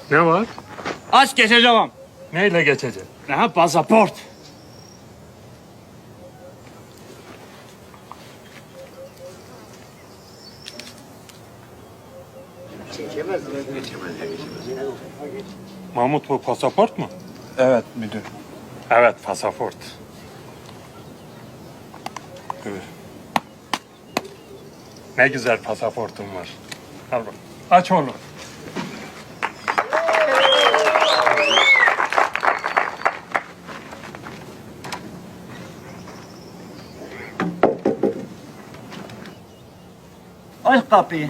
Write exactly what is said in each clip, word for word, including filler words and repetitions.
Ne var? Aç geçeceğim. Neyle geçeceksin? Ne pasaport. Mahmut, bu pasaport mu? Evet müdür. Evet, pasaport. Buyur. Ne güzel pasaportum var. Al bak. Aç oğlum. Aç kapıyı.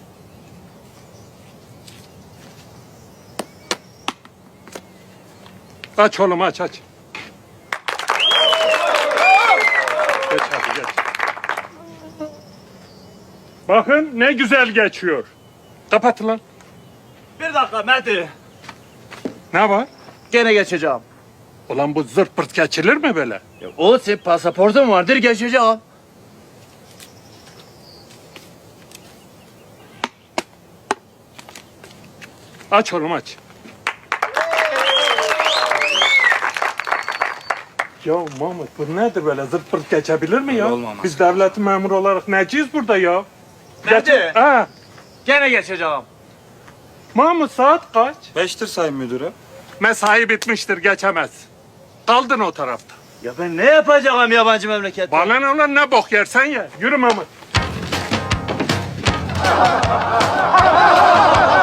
Aç oğlum, aç aç. Geç hadi geç. Bakın ne güzel geçiyor. Kapat lan. Bir dakika Mehdi. Ne var? Gene geçeceğim. Ulan bu zırt pırt geçilir mi böyle? Ya, o senin pasaportun vardır geçeceğim. Aç oğlum aç. Ya Mahmut, bu nedir böyle zırt pırt geçebilir mi ya? Öyle olmaz. Biz devletin memuru olarak neciyiz burada ya? Nerede? Geç- Ha. Gene geçeceğim. Mahmut, saat kaç? Beştir sayın müdürüm. Mesai bitmiştir, geçemez. Kaldın o tarafta. Ya ben ne yapacağım yabancı memlekette? Bana ne ulan, ne bok yersen ye. Yürü Mahmut.